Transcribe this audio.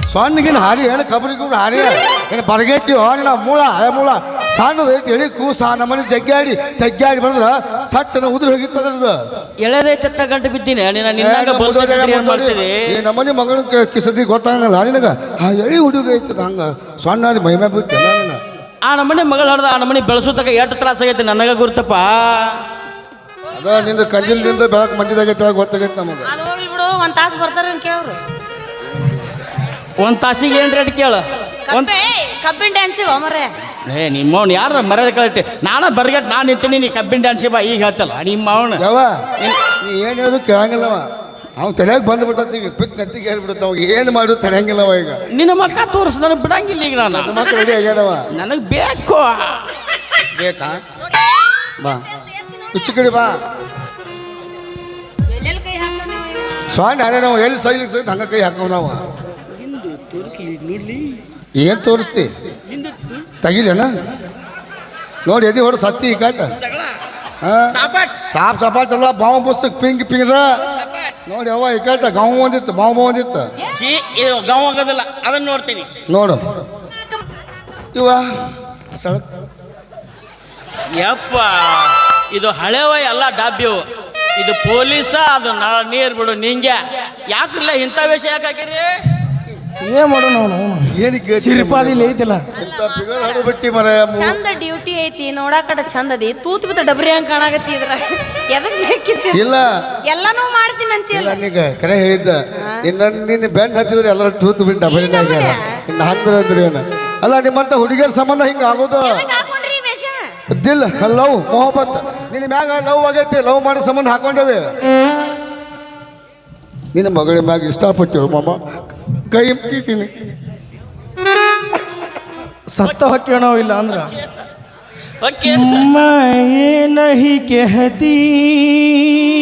ಸಣ್ಣಗಿನ ಹಾರಿ ಏನು ಕಬ್ರಿಗೂ ಹಾರಿ ಏನು ಬರಗೈತಿ ನಿನ್ನ ಮೂಳ ಹಳೆ ಮೂಳ ಸಣ್ಣದು ಐತಿ ಎಳಿ ಕೂಸ ನಮ್ಮನೆ ಜಗ್ಗಾಡಿ ಬಂದ್ರ ಸಟ್ಟನ ಉದುರಿ ಹೋಗಿತ್ತದ ಎಳೆದೈತೆ ಗಂಟೆ ಬಿದ್ದೀನಿ ನಮ್ಮನೆ ಮಗನ ಕಿಸದಿ ಗೊತ್ತಾಗಲ್ಲ ನಿನಗ ಆ ಎಳಿ ಹುಡುಗ ಐತದ ಹಂಗ ಸಣ್ಣ ಮೈಮೆ ಬಿತ್ತಲ್ಲ ನೀನು ಆ ನಮ್ಮನೆ ಮಗಳು ಹೊಡೆದ ಆ ನಮ್ಮನೆ ಬೆಳೆಸೋತಕ ಎಷ್ಟು ತ್ರಾಸ ಆಗೈತೆ ನನಗ ಗುರ್ತಪ್ಪ ಅದ ನಿಂದ ಕಂಜಿಲ್ದಿಂದ ಬೆಳಕು ಮಂದಿದಾಗೈತೆ ಗೊತ್ತಾಗೈತೆ ನಮಗೆ ಅದು ಹೋಗ್ಲಿ ಬಿಡು ಒಂದು ತಾಸು ಬರ್ತಾರ ಕೇಳ್ರು ಒಂದು ತಾಸಿಗೆ ಏನು ರೇಟ್ ಕೇಳು ಕಬ್ಬಿನ ಡ್ಯಾನ್ಸಿಗೆ ಮರೆ ನಿಮ್ಮವ್ನು ಯಾರ ಮರ್ಯಾದೆ ಕಳಿಟ್ಟೆ ನಾನು ಬರ್ಗಟ್ ನಾನು ನಿಂತೀನಿ ನೀ ಕಬ್ಬಿನ ಡ್ಯಾನ್ಸಿಗೆ ಬಾ ಈಗ ಹೇಳ್ತಲ್ಲ ನಿಮ್ಮ ಅವನು ಯಾವ ನೀ ಏನು ಹೇಳು ಕೇಳಂಗಿಲ್ಲವ ಅವ್ನು ತಲೆಯಾಗ ಬಂದ್ಬಿಟ್ಟತಿ ಪಿತ್ ನೆತ್ತಿಗೆ ಹೇಳ್ಬಿಡುತ್ತ ಅವಾಗ ಏನು ಮಾಡು ತಡೆಯಂಗಿಲ್ಲವ ಈಗ ನಿನ್ನ ಮಕ್ಕ ತೋರಿಸ್ ನನಗೆ ಬಿಡಂಗಿಲ್ಲ ಈಗ ನಾನು ಮಕ್ಕಳು ರೆಡಿ ಆಗ್ಯಾನವ ನನಗೆ ಬೇಕು ಬೇಕಾ ಬಾ ಹುಚ್ಚು ಕಡೆ ಬಾ ಸ್ವಾಂಡ್ ಹಾರೆ ನಾವು ಎಲ್ಲಿ ಸೈಲಿಗೆ ಸಹಿತ ಹಂಗ ಕೈ ಹಾಕವ್ ನಾವು ಏನು ತೋರಿಸ್ತಿ ತೆಗಿಲೇನ ನೋಡಿ ಎದಿ ಹೊರ ಸತ್ತಿ ಈ ಕಾಟ ಸಾಪ್ ಸಪಾಟ್ ಅಲ್ಲ ಬಾವು ಬುಸ್ತಕ್ ಪಿಂಗ್ ಪಿಂಗ್ರ ನೋಡಿ ಅವ ಈ ಕಾಟ ಗಾವು ಒಂದಿತ್ತು ಬಾವು ಒಂದಿತ್ತು ಇದು ಗಾವ್ ಆಗೋದಿಲ್ಲ ಅದನ್ನ ನೋಡ್ತೀನಿ ನೋಡು ಇವ ಸಳಕ್ ಯಪ್ಪ ಇದು ಹಳೆವ ಎಲ್ಲ ಡಾಬ್ಯವು ಇದು ಪೊಲೀಸ ಅದು ನೀರು ಬಿಡು ನಿಂಗೆ ಯಾಕಿಲ್ಲ ಇಂಥ ವೇಷ ಯಾಕೆ ಹಾಕಿರಿ ಏನ್ ಮಾಡೋಣ ಅವನು ಏನಕ್ಕೆ ಚಿರಿಪಾದಿಲ್ಲ ಐತಿಲ್ಲ ಬಿಟ್ಟಿ ಮರ ಚಂದ ಡ್ಯೂಟಿ ಐತಿ ನೋಡಾಕಡೆ ಚಂದ ಅದಿ ತೂತ್ ಬಿತ್ತ ಡಬ್ರಿ ಹಂಗ ಕಾಣಾಗತ್ತಿ ಇದ್ರ ಎದಕ್ ಬೇಕಿತ್ತು ಇಲ್ಲ ಎಲ್ಲಾನು ಮಾಡ್ತೀನಿ ಅಂತೀಯಲ್ಲ ನೀಗ ಕರೆ ಹೇಳಿದ್ದ ನಿನ್ನ ಬೆನ್ ಹತ್ತಿದ್ರೆ ಎಲ್ಲರ ತೂತು ಬಿಟ್ಟು ಡಬಲಿನಾಗ ಇನ್ನು ಅಂದ್ರೆ ಏನು ಅಲ್ಲ ನಿಮ್ಮಂತ ಹುಡುಗಿಯರ ಸಂಬಂಧ ಹಿಂಗ ಆಗೋದು ಹಾಕೊಂಡ್ರಿ ವೇಷ ದಿಲ್ ಲವ್ ಮೊಹಬ್ಬತ್ ನಿನ್ನ ಮ್ಯಾಗ ಲವ್ ಆಗೈತಿ ಲವ್ ಮಾಡೋ ಸಂಬಂಧ ಹಾಕೊಂಡೇವೆ ನಿನ್ನ ಮಗಳ ಮ್ಯಾಗ ಇಷ್ಟಪಟ್ಟು ಮಾಮ ಕೈ ಮುಗಿತೀನಿ ಸತ್ತ ಹೊಕ್ಕೇನೋ ಇಲ್ಲ ಅಂದ್ರ ಓಕೆ मैं नहीं कहती